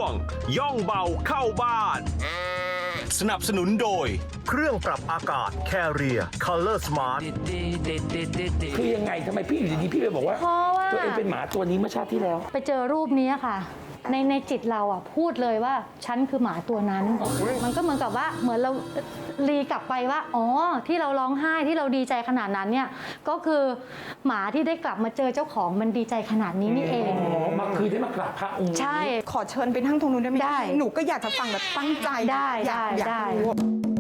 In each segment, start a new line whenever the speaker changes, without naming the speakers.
งย่องเบาเข้าบ้านสนับสนุนโดยเครื่องปรับอากาศ Carrier Color Smart
คือยังไงทำไมพี่อยู่ดีๆพี่ไปบอกว่า
เพราะว่า
ตัวเองเป็นหมาตัวนี้เมื่อชาติที่แล้ว
ไปเจอรูปนี้ค่ะ ในจิตเราอ่ะพูดเลยว่าฉันคือหมาตัวนั้น มันก็เหมือนกับว่าเหมือนเรารีกลับไปว่าอ๋อที่เราร้องไห้ที่เราดีใจขนาดนั้นเนี่ยก็คือหมาที่ได้กลับมาเจอเจ้าของมันดีใจขนาดนี้นี่เอง
อ๋อมาคือได้มากราบพระองค์นี้
ใช่
ขอเชิญไปนั่งตรงนู้นได้ไหม
ได้
หนูก็อยากจะฟังแบบตั้งใจ
ได้
อยาก
ได้
รู้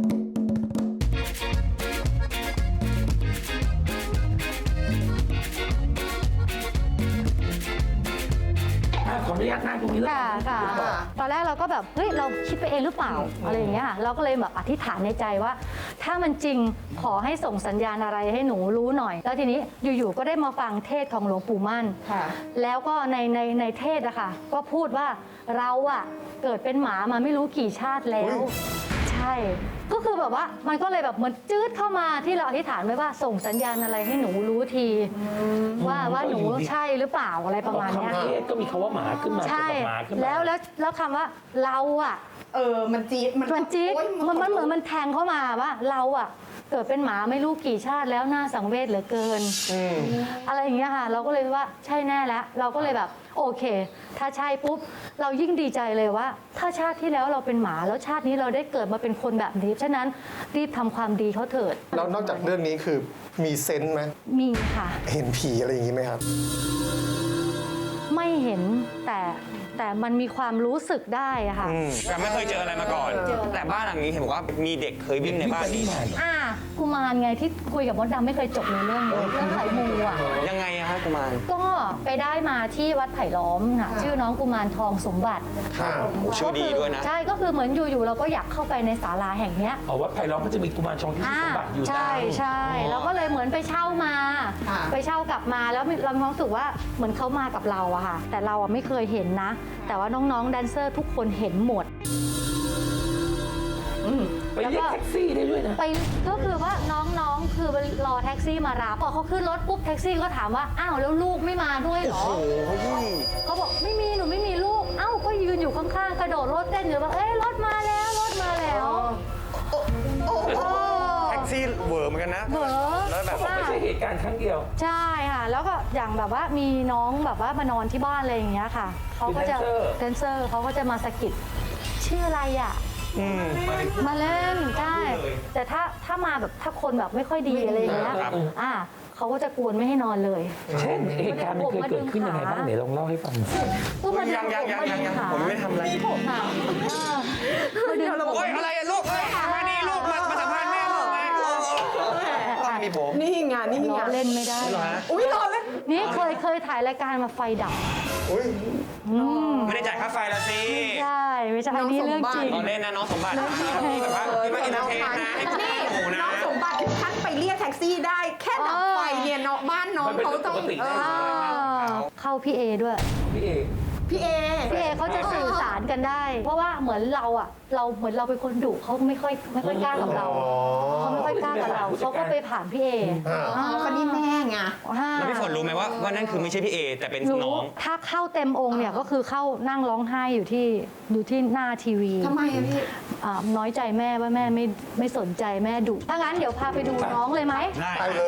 ขออนุญาตนั่งตรงนี้แล้ว
ค่ะค่ะตอนแรกเราก็แบบเฮ้ยเราคิดไปเองหรือเปล่าอะไรอย่างเงี้ยเราก็เลยแบบอธิษฐานในใจว่า ถ้ามันจริงขอให้ส่งสัญญาณอะไรให้หนูรู้หน่อย แล้วทีนี้อยู่ๆก็ได้มาฟังเทศของหลวงปู่มั่น
ค่ะ
แล้วก็ในเทศอะค่ะก็พูดว่าเราอะเกิดเป็นหมามาไม่รู้กี่ชาติแล้ว ใช่ ก็คือแบบว่ามันก็เลยแบบเหมือนจืดเข้ามาที่เราอธิษฐานไว้ว่าส่งสัญญาณอะไรให้หนูรู้ทีว่าหนูใช่หรือเปล่าอะไรประมาณเนี้ย
คำเทศก็มีคำว่าหมาขึ้นมา
ใช่
เกี่ยวกับหมาขึ้นมา
แล้วคำว่าเราอะ
มันจี๊ด
มันจี๊ด
โอ๊ย
มันเหมือนมันแทงเข้ามาว่าเราอะเกิดเป็นหมาไม่รู้กี่ชาติแล้วน่าสังเวชเหลือเกินอะไรอย่างเงี้ยค่ะเราก็เลยว่าใช่แน่แล้วเราก็เลยแบบโอเค ถ้าใช่ปุ๊บเรายิ่งดีใจเลยว่า ถ้าชาติที่แล้วเราเป็นหมาแล้วชาตินี้เราได้เกิดมาเป็นคนแบบนี้ฉะนั้นรีบทำความดีเขาเถิด
แล้วนอกจากเรื่องนี้คือมีเซนส์ไหม
มีค่ะ
เห็นผีอะไรอย่างนี้ไหมครับ
ไม่เห็นแต่มันมีความรู้สึกได้อะค่ะ
แต่ไม่เคยเจออะไรมาก่อน แต่บ้านหลังนี้เห็นบอกว่ามีเด็กเคยวิ่งในบ้านนี้
กุมารไงที่คุยกับมดดำไม่เคยจบในเรื่องไข่มูอ่ะ
ยังไงอะคะกุมาร
ก็ไปได้มาที่วัดไผ่ล้อมค่ะชื่อน้องกุมารทองสมบัติ
ชื่อดีด้วยนะ
ใช่ก็คือเหมือนอยู่ๆเราก็อยากเข้าไปในศาลาแห่งเนี้ย
อ๋อวัดไผ่ล้อมก็จะมีกุมารทองที่มีสมบัติอยู่
ใช่ใช่แล้วก็เลยเหมือนไปเช่ามา ไปเช่ากลับมาแล้วเรามีความรู้สึกว่าเหมือนเขามากับเราอะค่ะ แต่เราอะไม่เคยเห็นนะ แต่ว่าน้องๆแดนเซอร์ทุกคนเห็นหมด
ไปเรียกแท็กซี่ได้ด้วยนะ
ไปก็คือว่าน้องๆคือรอแท็กซี่มารับพอเขาขึ้นรถปุ๊บแท็กซี่ก็ถามว่าอ้าวแล้วลูกไม่มาด้วยเหรอเขาบอกไม่มีหนูไม่มีลูกเอ้าก็ยืนอยู่ข้างๆกระโดดรถเต้นอยู่ว่าเอ้ยรถมาแล้วรถมาแล้ว
แท็กซี่เวอร์เหมือนกันนะ
เหรอ
แล้วแบบ
ไม่ใช่เหตุการณ์ครั้งเดียว
ใช่ค่ะแล้วก็อย่างแบบว่ามีน้องแบบว่ามานอนที่บ้านอะไรอย่างเงี้ยค่ะเขาก็จะแดนเซอร์เขาก็จะมาสะกิดชื่ออะไรอ่ะมาเล่นใช่แต่ถ้ามาแบบถ้าคนแบบไม่ค่อยดีอะไรอย่างเงี้ยเขาก็จะกวนไม่ให้นอนเลย
เช่นเหตุการณ์มันเคยเกิดขึ้นยังไงบ้างไหนลองเล่าให้ฟังหน่อย
ก็มา
ยังผมไม่ทำอะไร
ค่ะมาดึงผม
โอ๊ยอะไรอะลูกมานี่ลูกมาสัมภาษณ์แม่ลูกไงต้องมีผม
นี่ไงนี่ไง
ล้อเล่นไม่ได้
อุ้ยรอเลย
นี่เคยถ่ายรายการมาไฟดับ
ไม่ได้จ่ายค่าไฟละสิ
ใช่ไม่ใช่อันนี้เรื่องจริง
เราเล่นนะน้องสมบัติที่แบบว่าที่มาอินเตอร์เทนนะให้คุณ
นี่
หมูนะ
น้องสมบัติท่านไปเรียกแท็กซี่ได้ แค่ดับไฟเนี่ยเนาะบ้านน้องเขาต้อง
เข้าพี่เอด้วย
พี่เอก
พี่เอ
พี่เอเขาจะสื่อสารกันได้ เพราะว่าเหมือนเราเหมือนเราเป็นคนดุเขาไม่ค่อยกล้ากับเราเขาไม่ค่อยกล้ากับเราเขาก็ไปผ่านพี่เอ
คนนี้แม่ไง
แล้วพี่ฝนรู้ไหมว่านั่นคือไม่ใช่พี่เอแต่เป็นน้อง
ถ้าเข้าเต็มองค์เนี่ยก็คือเข้านั่งร้องไห้อยู่ที่หน้าทีวี
ทำไมอะพี่
น้อยใจแม่ว่าแม่ไม่สนใจแม่ดุถ้างั้นเดี๋ยวพาไปดูน้องเลยไหม
ได้
ไปเลย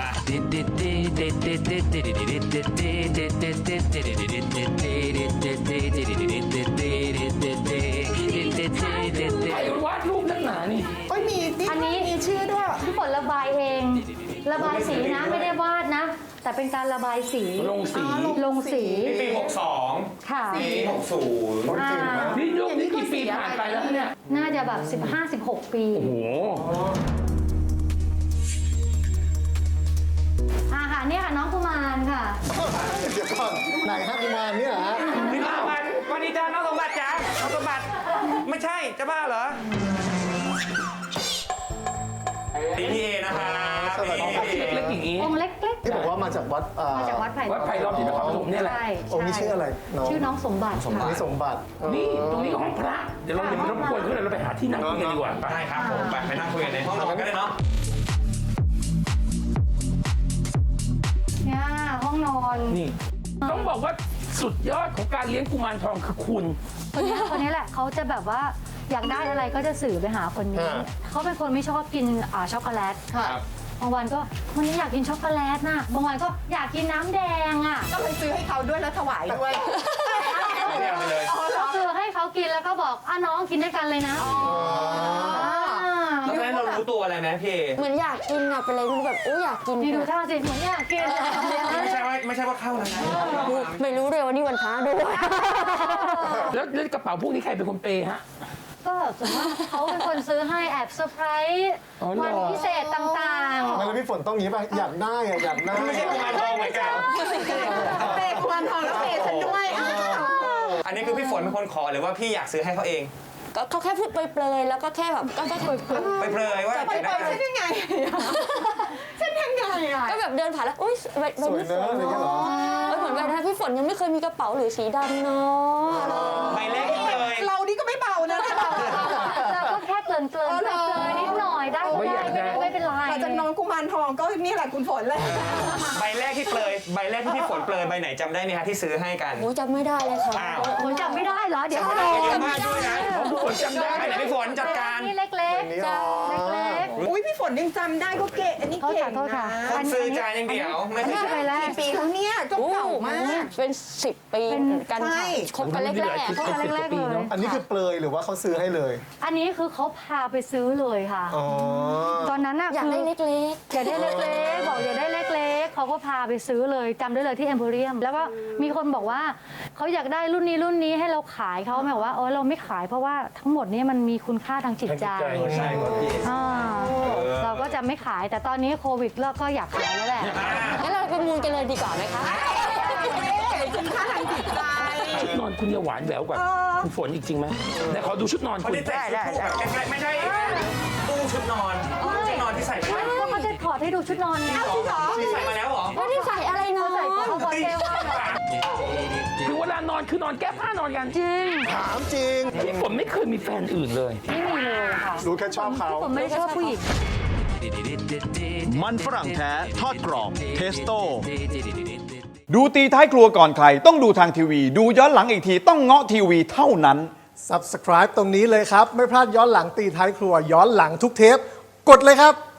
ใครวาดรูปนักหนานี่
โอ้ยมี
อันนี้
มีชื่อด้วย
พี่ฝนระบายเอง ระบายสีนะไม่ได้วาดนะ แต่เป็นการระบายสี
ลงสี
ลงสี
ปี62
ค่ะ
ปี60
นี่ยุคนี้กี่ปีผ่านไปแล้วเนี่ย
น่าจะแบบ15-16 ปี
โอ้โห
ค่ะเนี่ยค่ะน้องกุมารค่ะ
เดี๋ยวก่อนไหนฮะกุมารเนี่ยเหรอฮะ
พี่น้องวันนี้จ้าน้องสมบัติจ้าน้องสมบัติไม่ใช่จะบ้าเหรอพี่เอนะคะพี่
เล็กๆอย่างนี้
องค์เล็ก
ที่บอกว่ามาจากวัด
ๆมาจากวัดไผ่
วัดไผ่ล้อมที่นครปฐมเนี่ยแหละ
ใช่
องค์นี้ชื่ออะไรน้อง
ชื่อน้องสมบัติ
อัน
ค่ะ
นี้สมบัติ
นี่ตรงนี้ห้องพระ เดี๋ยวเราอย่าไปรบกวนเขาเลยเราไปหาที่นั่งคุยกันดีกว่าไป
ได้ครับผมไปนั่งคุยกันในห้องนอนกันได้เนาะ
เนี่ยห้องนอน
นี่ต้องบอกว่าสุดยอดของการเลี้ยงกุมารทองคือคุณ
คนนี้แหละเขาจะแบบว่าอยากได้อะไรก็จะสื่อไปหาคนนี้ เขาเป็นคนไม่ชอบกินช็อกโกแลต
ครับ
บางวันก็วันนี้อยากกินช็อกโกแลตนะบางวันก็อยากกินน้ำแดงอ่ะ
ก็เลยซื้อให้เขาด้วยแล้วถวายด้วย
ไม่เอาไปเลย
ก็คือให้เขากินแล้วก็บอกน้องกินด้วยกันเลยนะ
แล้วตอนนั้นเรารู้ตัวอะไรไหมพี่
เหมือนอยากกินอะเป็นอะไรที่แบบอยากกิน
นี่ดูท่าสิเหมือนอยากกิน
ไม่ใช่ว่าเข้าแล้วนะ
ไม่รู้เลยว่านี่วันพระด้วย
แล้วกระเป๋าพวกนี้ใครเป็นคนเปย์ฮะ
ก็ส่วนมากเขาเป็นคนซื้อให้แอบเซอร์ไพรส์
อ๋อเหรอ
วันพิเศษต่าง
ไม่แล้วพี่ฝนต้องอย่างนี้ป่ะ อยากได้อะอยากได้
ไม่ใช่กุมารทองเหมือนกัน
เปย์กุมารทองแล้วเปย์ฉันด้วยอ้าว
อันนี้คือพี่ฝนเป็นคนขอหรือว่าพี่อยากซื้อให้เขาเอง
ก็เขาแค่พูดเปรยๆแล้วก็แค่แบบก็แค่เปรย
ไปเปรยว่า
ไป
อยาก
เป
ได้
ย์ฉันยังไงฉันยังไงอ่ะ
ๆก็แบบเดินผ่านแล้วอุ้ยใบ
สวย
พี่ฝ
เนอะ
น
อะไรเงี้ยเหรอ
เหมือนแบบนั้นพี่ฝนยังไม่เคยมีกระเป๋าหรือสีดำเนาะ
ใบแรกที่เปรย
เรานี่ก็ไม่เบานะ
ๆแล้วก็แค่เกลิ่นๆเปรยๆนิดหน่อยได้ก็ได้ไม่เป็นไร
แต่จากน้องกุมารทองก็นี่แหละคุณฝนเลย
ใบแรกที่เปรยใบแรกที่พี่ฝนเปรยใบไหนจำได้ไหมคะที่ซื้อให้กัน
โอ้ยจำไม่ได้เลยค่ะ
อ้าว
ผมจำไม่ได้เหรอเดี๋ยวก็โด
เยอะ
น
มากด้วยนะ
ทุกคนจำได้
ใบไหนพี่ฝนจัดการ
นี่เล็ก
นี่อ๋อ
ๆเล็ก
อุ้ยพี่ฝนยังจำได้ก็เก๋อันนี้
โทษ
เก่
ค่ะ
ง
โทษค่ะ
นะ
คนซื้อจานอย่างเดียวไม่
ๆ
ใช่
นี่ไปแล้ว
กี่ปีแล้วเนี่ยก็เก่ามาก
เป็น10 ปีเหมือนกัน
ใช่
ค่ะคบกันแรกๆ
เขาแรกๆเลย
อันนี้คือเปลยหรือว่าเขาซื้อให้เลย
อันนี้คือเขาพาไปซื้อเลยค่ะ
อ๋อ
ตอนนั้นน่ะ
อยากได้เล็ก
อยากได้เล็กๆบอกอยากได้เล็กๆเขาก็พาไปซื้อเลยจำได้เลยที่ Emporium แล้วก็มีคนบอกว่าเขาอยากได้รุ่นนี้ให้เราขายเขาแบบว่าเราไม่ขายเพราะว่าทั้งหมดนี้มันมีคุณค่าทางจิตใจ
ใช่ครับพี่
อ่าเราก็จะไม่ขายแต่ตอนนี้โควิดแล้วก็อยากขายแล้วแหละ
ๆงั้นเราไปมูลกันเลยดีกว่าไหมคะ
คุณค่าทางจิตใจ
ชุดนอนคุณเนี่ยหวานแหววกว่าคุณฝนอีกจริงไหมไหนขอดูชุดนอน
เขา
คุณ
ได้ใส่ชุดคู่แบบไม่ใช่ตู้ชุดนอนชุดนอนที่ใส่มาแล้ว
ก็เขาจะถอดให้ดูชุดนอนไง
ที่ใส่มาแล้วเหรอ
ไม่ได้ใส่อะไรเนาะ
ใส่เขาพอเทว่า
คือเวลานอนคือนอนแก้ผ้านอนกัน
จริง
ถามจริง
พี่ฝนไม่เคยมีแฟนอื่นเลย
ไม่มีเลยค่ะ
รู้แค่ชอบเขา
ผมไม่ได้ชอบผู้หญิง
มันฝรั่งแท้ทอดกรอบเทสโต้
ดูตีท้ายครัวก่อนใครต้องดูทางทีวี ดูย้อนหลังอีกทีต้องเงาะทีวีเท่านั้น
Subscribe ตรงนี้เลยครับ ไม่พลาดย้อนหลังตีท้ายครัวย้อนหลังทุกเทป กดเลยครับ